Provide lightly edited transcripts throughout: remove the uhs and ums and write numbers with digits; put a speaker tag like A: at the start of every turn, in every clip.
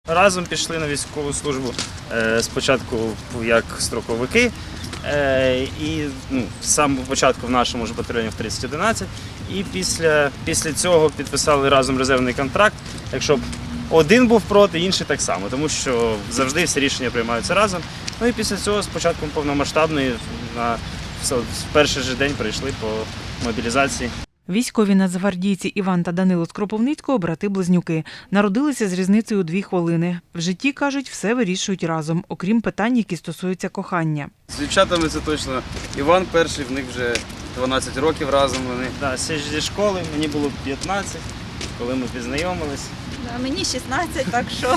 A: Разом пішли на військову службу, спочатку як строковики, і з самого початку в нашому ж батальйоні в 3011, і після цього підписали разом резервний контракт. Якщо б один був проти, інший так само, тому що завжди всі рішення приймаються разом. Ну і після цього з початком повномасштабної в перший же день прийшли по мобілізації.
B: Військові нацгвардійці Іван та Данило з Кропивницького – брати-близнюки. Народилися з різницею у 2 хвилини. В житті, кажуть, все вирішують разом, окрім питань, які стосуються кохання.
C: З дівчатами це точно. Іван перший, в них вже 12 років разом вони.
A: Да, зі школи, мені було 15, коли ми познайомились.
D: Мені 16, так що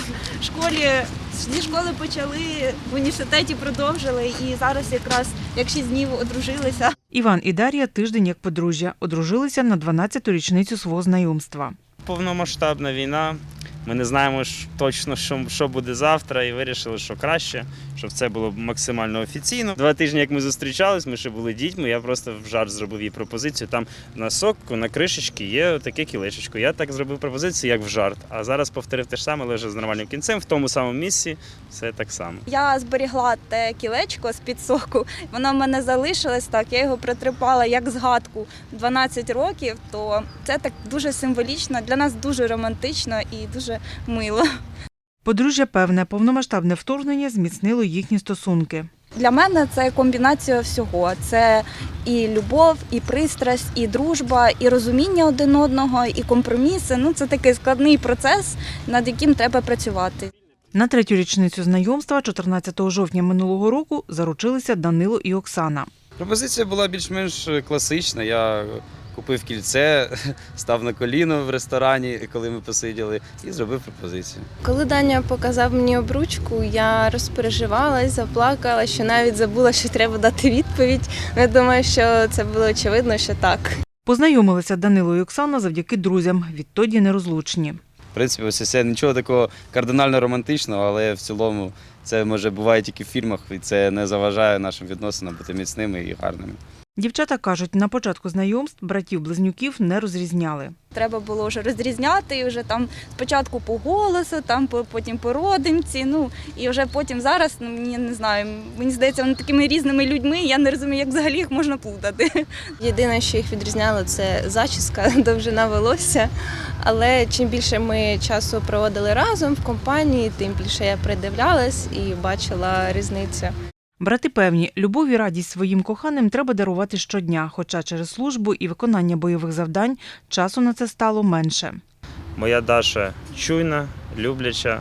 D: зі школи почали, в університеті продовжили і зараз якраз як 6 днів одружилися.
B: Іван і Дар'я тиждень як подружжя. Одружилися на 12-ту річницю свого знайомства.
A: Повномасштабна війна, ми не знаємо точно, що буде завтра, і вирішили, що краще, щоб це було максимально офіційно. 2 тижні, як ми зустрічались, ми ще були дітьми, я просто в жарт зробив їй пропозицію. Там на сокку, на кришечці є таке кілечечко. Я так зробив пропозицію, як в жарт. А зараз повторив те ж саме, але вже з нормальним кінцем, в тому самому місці, все так само.
D: Я зберігла те кілечко з-під соку, воно в мене залишилось так, я його притрипала як згадку 12 років, то це так дуже символічно, для нас дуже романтично і дуже мило.
B: Подружжя певне, повномасштабне вторгнення зміцнило їхні стосунки.
D: Для мене це комбінація всього. Це і любов, і пристрасть, і дружба, і розуміння один одного, і компроміси. Це такий складний процес, над яким треба працювати.
B: На 3-ю річницю знайомства, 14 жовтня минулого року, заручилися Данило і Оксана.
C: Пропозиція була більш-менш класична. Я купив кільце, став на коліно в ресторані, коли ми посиділи, і зробив пропозицію.
E: Коли Даня показав мені обручку, я розпереживалась, заплакала, що навіть забула, що треба дати відповідь. Я думаю, що це було очевидно, що так.
B: Познайомилися Данило і Оксана завдяки друзям, відтоді нерозлучні.
C: В принципі, ось це нічого такого кардинально романтичного, але в цілому це, може, буває тільки в фільмах, і це не заважає нашим відносинам бути міцними і гарними.
B: Дівчата кажуть, на початку знайомств братів-близнюків не розрізняли.
D: Треба було вже розрізняти, і вже там спочатку по голосу, потім по родинці, і вже потім зараз, я не знаю, мені здається, вони такими різними людьми, я не розумію, як взагалі їх можна плутати.
E: Єдине, що їх відрізняло, це зачіска, довжина волосся. Але чим більше ми часу проводили разом в компанії, тим більше я придивлялась і бачила різницю.
B: Брати певні, любов і радість своїм коханим треба дарувати щодня, хоча через службу і виконання бойових завдань часу на це стало менше.
A: Моя Даша чуйна, любляча.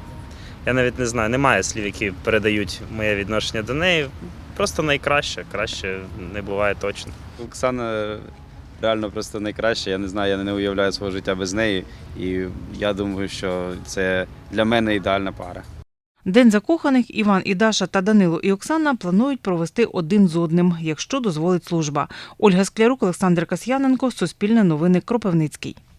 A: Я навіть не знаю, немає слів, які передають моє відношення до неї. Просто найкраще, краще не буває точно.
C: Оксана реально просто найкраща, я не знаю, я не уявляю свого життя без неї, і я думаю, що це для мене ідеальна пара.
B: День закоханих Іван і Даша та Данило і Оксана планують провести один з одним, якщо дозволить служба. Ольга Склярук, Олександр Касьяненко, Суспільне новини, Кропивницький.